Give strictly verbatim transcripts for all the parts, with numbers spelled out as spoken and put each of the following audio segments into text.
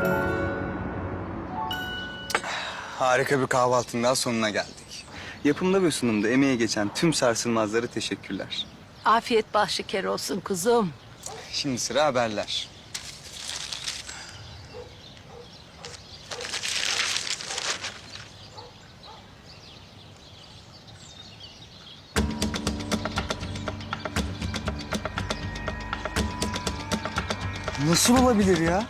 Harika bir kahvaltının daha sonuna geldik. Yapımda ve sunumda emeğe geçen tüm sarsılmazlara teşekkürler. Afiyet bal şeker olsun kuzum. Şimdi sıra haberler. Nasıl olabilir ya?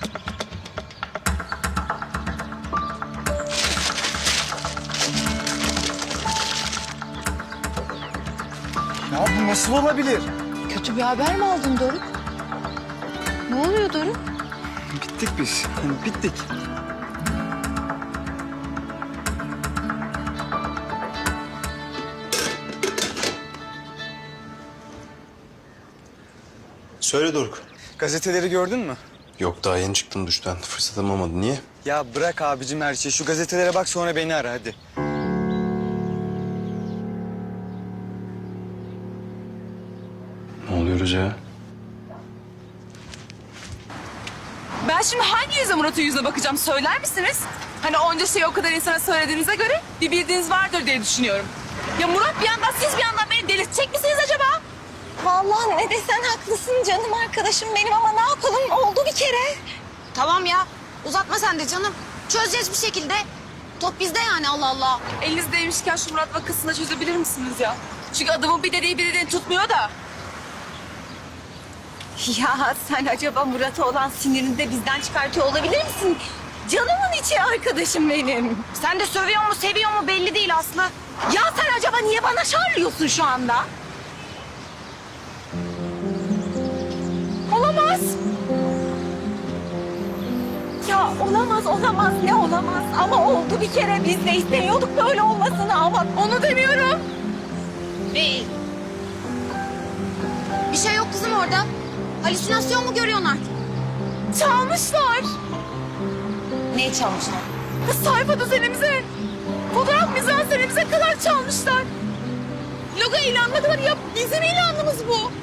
Ya bu nasıl olabilir? Kötü bir haber mi aldın Doruk? Ne oluyor Doruk? Bittik biz. Hani bittik. Söyle Doruk. Gazeteleri gördün mü? Yok daha yeni çıktım duştan. Fırsatım olmadı. Niye? Ya bırak abicim her şeyi. Şu gazetelere bak sonra beni ara hadi. Ne oluyoruz ya? Ben şimdi hangi yüzle Murat'ın yüzüne bakacağım söyler misiniz? Hani onca şeyi o kadar insana söylediğinize göre bir bildiğiniz vardır diye düşünüyorum. Ya Murat bir yandan siz bir yandan beni delirtecek misiniz acaba? Vallahi ne desen haklısın canım arkadaşım benim ama ne yapalım oldu bir kere. Tamam ya. Uzatma sen de canım. Çözeceğiz bir şekilde. Top bizde yani Allah Allah. Elinizdeymişken şu Murat vakasını da çözebilir misiniz ya? Çünkü adamın bir dediği bir dediğini tutmuyor da. Ya sen acaba Murat'a olan sinirini de bizden çıkartıyor olabilir misin? Canımın içi arkadaşım benim. Sen de sövüyor mu seviyor mu belli değil Aslı. Ya sen acaba niye bana şarlıyorsun şu anda? Olamaz. Ya olamaz, olamaz, ne olamaz? Ama oldu bir kere. Biz de istemiyorduk böyle olmasını ama onu demiyorum. Değil. Bir şey yok kızım orada. Halüsinasyon mu görüyorsun artık? Çalmışlar. Neyi çalmışlar? Kız sayfa düzenimize, fotoğraf mizansenimize kadar çalmışlar. Logo ilanına kadar ya bizim ilanımız bu.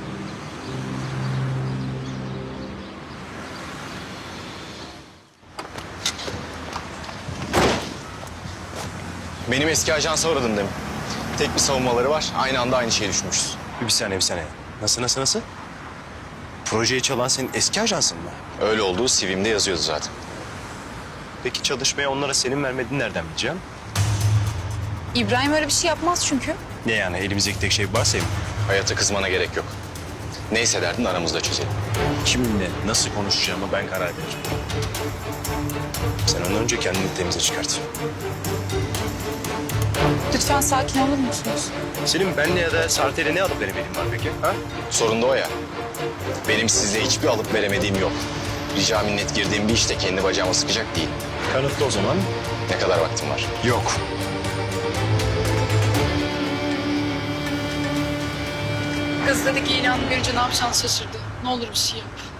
Benim eski ajansa uğradım demin. Tek bir savunmaları var. Aynı anda aynı şeyi düşünmüşüz. Bir saniye bir saniye. Nasıl nasıl nasıl? Projeyi çalan senin eski ajansın mı? Öyle olduğu C V'mde yazıyordu zaten. Peki çalışmaya onlara senin vermediğini nereden bileceğim? İbrahim öyle bir şey yapmaz çünkü. Ne yani elimizdeki tek şey varsa mı? Hayata kızmana gerek yok. Neyse derdin aramızda çözelim. Kiminle nasıl konuşacağımı ben karar veririm. Sen ondan önce kendini temize çıkart. Lütfen sakin olur musunuz? Senin benle ya da Sartel'e ne alıp veremediğin var peki? Ha? Sorun da o ya. Benim sizle hiçbir alıp veremediğim yok. Rica minnet girdiğim bir işte kendi bacağıma sıkacak değil. Kanıtlı o zaman. Ne kadar vaktim var? Yok. Gazetedeki ilanı görünce ne yapacağını şaşırdı. Ne olur bir şey yap.